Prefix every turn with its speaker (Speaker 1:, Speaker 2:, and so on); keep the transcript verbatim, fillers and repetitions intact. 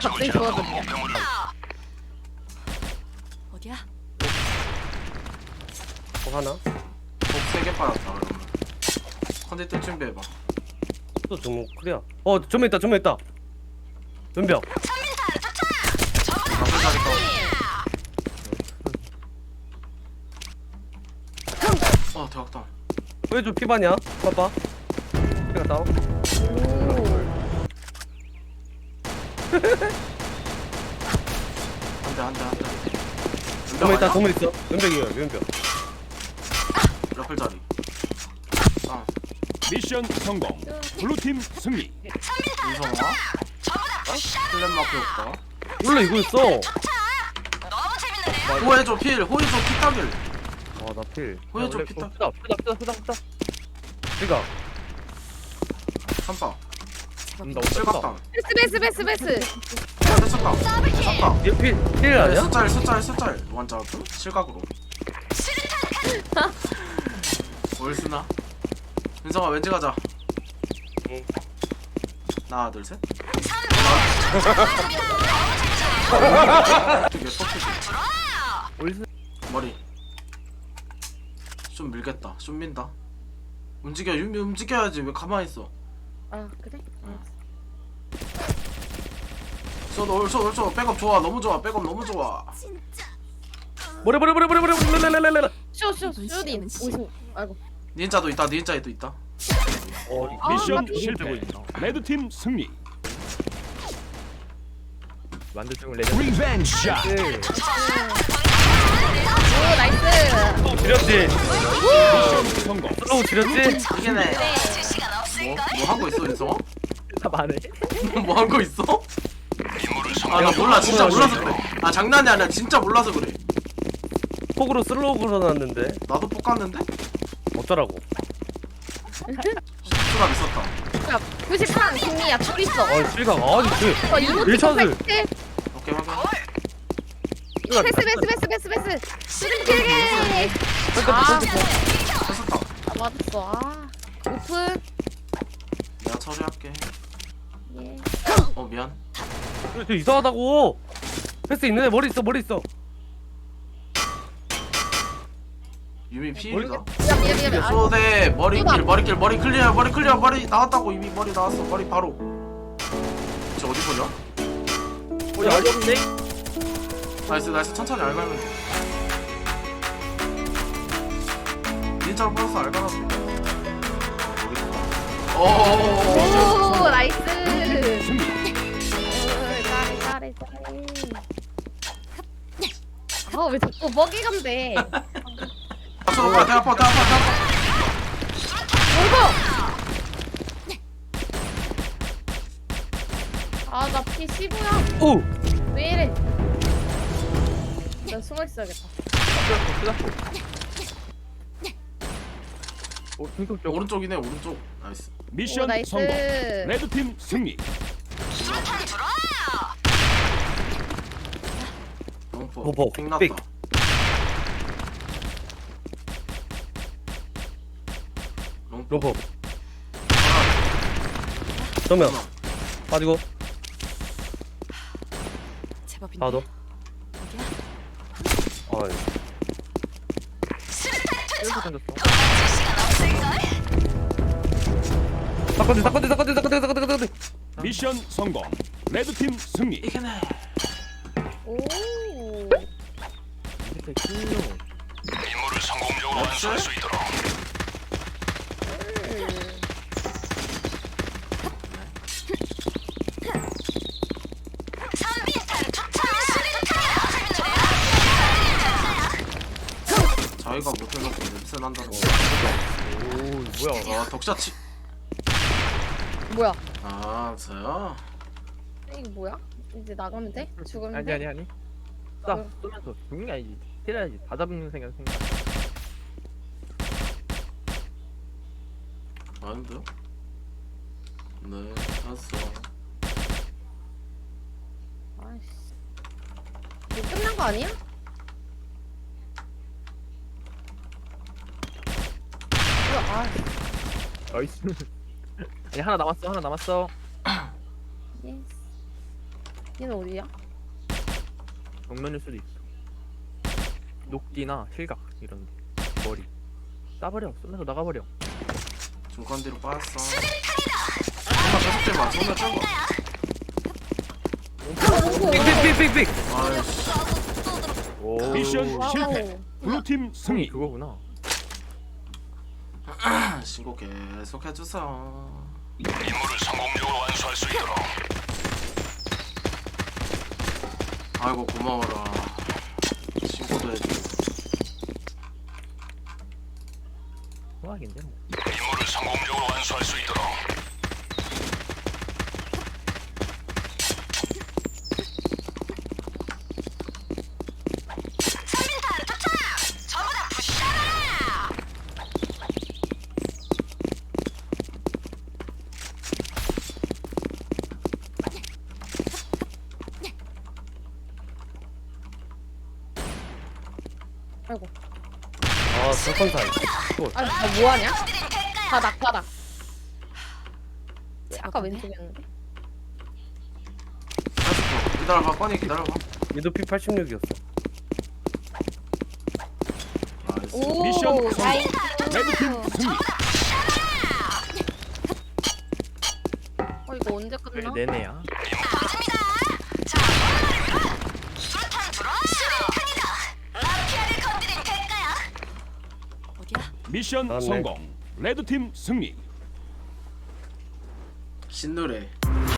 Speaker 1: 갑자기 좋아졌냐?
Speaker 2: 어디야?
Speaker 3: 어 하나?
Speaker 4: 세개 빠졌다 그러면. 컨디 뜰 준비해봐.
Speaker 3: 또 정문 클리어. 어 전면 있다 전면 있다. 연병.
Speaker 4: 나쁜 자리 떠. 어 대박다.
Speaker 3: 왜 좀 피반이야? 봐봐. 피가 다운.
Speaker 4: 안돼 안돼 안돼.
Speaker 3: 정면 있다 정면 있어. 연병이에요 연병.
Speaker 4: 러플 자리. 아
Speaker 5: 미션 성공. 블루팀 승리.
Speaker 4: 인성아. 플랜 마크 효과.
Speaker 3: 원래 이거였어.
Speaker 4: 호해줘 필 호해줘 피타빌.
Speaker 3: 아나 필.
Speaker 4: 호해줘 피타.
Speaker 3: 피다 피다 피다 피다 피다. 피가.
Speaker 4: 삼바.
Speaker 3: 나
Speaker 4: 실각당.
Speaker 1: 베스 베스 베스 베스.
Speaker 4: 됐었다. 됐었다.
Speaker 3: 얘필필 아니야?
Speaker 4: 숫자일 숫자일 숫자일 완전 실각으로. 뭘 쓰나? 인성아 왠지 가자.
Speaker 3: 응.
Speaker 4: 하나 둘 셋. 되게 퍽퍽이.
Speaker 3: 올스.
Speaker 4: 머리. 좀 밀겠다. 좀 민다. 움직여 유미 움직여야지 왜 가만히 있어.
Speaker 1: 아 그래?
Speaker 4: 쏘 올쏘 올쏘 백업 좋아 너무 좋아 백업 너무 좋아.
Speaker 3: 머리 머리 머리 머리 머리 랄랄랄랄라.
Speaker 1: 쇼쇼 쇼딘. 오이소. 아이고.
Speaker 4: 닌자도 있다 닌자도 있다.
Speaker 3: 어
Speaker 1: 아,
Speaker 5: 미션
Speaker 1: 맞다.
Speaker 5: 실패. 레드팀 승리.
Speaker 3: 만들 중을 내려.
Speaker 5: 리벤지 샷.
Speaker 1: 오 나이스.
Speaker 3: 지렸지.
Speaker 5: 미션 성공.
Speaker 3: 슬로우 지렸지.
Speaker 4: 이게네. 뭐? 뭐 하고 있어 인성아?
Speaker 3: 다 말해.
Speaker 4: 뭐 하고 있어? 아 나 몰라 진짜 몰라서 그래. 아 장난이 아니야 진짜 몰라서 그래.
Speaker 3: 폭으로 슬로우 걸어놨는데
Speaker 4: 나도 뽑았는데?
Speaker 3: 어쩌라고?
Speaker 4: 실수가 있었다.
Speaker 1: 야 구십삼 승리야 둘 있어.
Speaker 3: 아 실각 아니 그
Speaker 1: 어 이모트
Speaker 3: 일차들.
Speaker 1: 퍼펙트.
Speaker 4: 오케이 확인.
Speaker 1: 베스 베스 베스 베스 베스. 수능 길게. 아
Speaker 4: 됐었다.
Speaker 1: 아, 맞았어. 아 오픈.
Speaker 4: 내가 처리할게.
Speaker 1: 예.
Speaker 4: 어 미안.
Speaker 3: 저 이상하다고. 패스 있는데 머리 있어 머리 있어.
Speaker 4: 유미 피일이다.
Speaker 1: 미안 미안 미안. 아,
Speaker 4: 쏘대 머리길 머리길 머리 클리어 머리 클리어 머리 나왔다고 이미 머리 나왔어 머리 바로. 저 어디 보냐?
Speaker 3: 어 야, 어렵네.
Speaker 4: 나이스 나이스 천천히 알갈면 돼. 닌자로 플러스 알갈하면 돼. 어어어어.
Speaker 1: 오 나이스.
Speaker 5: 승리.
Speaker 1: 오, 잘해 잘해 잘해. 아왜 자꾸 먹이감 돼.
Speaker 4: 앞서 놓고 대 아파 대 아파 대 아파.
Speaker 1: 아나 피 십오야.
Speaker 3: 오.
Speaker 1: 왜 이래? 나 숨어 있어야겠다.
Speaker 3: 오 중국 쪽.
Speaker 4: 오른쪽이네 오른쪽. 나이스.
Speaker 1: 오
Speaker 5: 미션
Speaker 1: 나이스.
Speaker 5: 성공. 레드팀 승리.
Speaker 4: 롱포.
Speaker 3: 포포,
Speaker 4: 빅 났다.
Speaker 3: 빅.
Speaker 4: 롱포.
Speaker 3: 로퍼. 정면
Speaker 4: 하나.
Speaker 3: 빠지고
Speaker 2: 제법인데.
Speaker 3: 나도.
Speaker 2: 어디야?
Speaker 3: 아이. 이렇게 던졌어. 사건들 사건들 사건들 사건들 사건들 사건들.
Speaker 5: 미션 성공. 레드팀 승리.
Speaker 4: 이게네.
Speaker 1: 오.
Speaker 5: 임무를 성공적으로
Speaker 4: 완수할 수
Speaker 5: 있도록.
Speaker 4: 자기가 못해놓고 냄새 난다는 거.
Speaker 3: 오 뭐야?
Speaker 4: 아 덕샷치.
Speaker 1: 뭐야?
Speaker 4: 아 저요?
Speaker 1: 이게 뭐야? 이제 나가면 돼? 죽으면
Speaker 6: 아니
Speaker 1: 돼?
Speaker 6: 아니 아니 딱 쏘면서 죽는 게 아니지 때려야지 다 잡는 생각 생각
Speaker 4: 아닌데요? 네 알았어.
Speaker 1: 아이씨. 이거 끝난 거 아니야? 뭐야? 아.
Speaker 6: 나이스 아니 하나 남았어 하나 남았어
Speaker 1: 예스. 얘는 어디야?
Speaker 6: 정면일 수도 있어. 녹디나 실각 이런 머리. 싸버려. 쏘면서 나가버려.
Speaker 4: 중간뒤로 빠졌어. 정말 계속 대봐. 정말 쩔고.
Speaker 3: 삑삑삑삑.
Speaker 4: 아이씨.
Speaker 6: 오.
Speaker 5: 미션
Speaker 1: 와우.
Speaker 5: 실패. 블루팀
Speaker 6: 승리
Speaker 5: 승리.
Speaker 6: 그거구나.
Speaker 4: 신고 계속 해주세요.
Speaker 5: 임무를 성공적으로 완수할 수 있도록.
Speaker 4: 아이고 고마워라. 신고도 해주고.
Speaker 6: 소화긴데 뭐.
Speaker 5: 임무를 성공적으로 완수할 수 있도록.
Speaker 1: 아이고.
Speaker 3: 아 설컨사이.
Speaker 1: 아니 너 뭐하냐? 바닥 바닥.
Speaker 2: 제
Speaker 1: 아까
Speaker 2: 아빠네.
Speaker 1: 왼쪽이었는데.
Speaker 4: 계속 기다려봐. 뻔히 기다려봐.
Speaker 3: 얘도 피 팔십육이었어.
Speaker 4: 나이스.
Speaker 1: 오.
Speaker 5: 미션 성공.
Speaker 1: 나이스.
Speaker 5: 레드팀 승리.
Speaker 1: 어 이거 언제
Speaker 6: 왜
Speaker 1: 끝나?
Speaker 6: 내내야?
Speaker 2: 어디야?
Speaker 5: 미션
Speaker 3: 나왔네.
Speaker 5: 성공. 레드팀 승리.
Speaker 4: 신노래.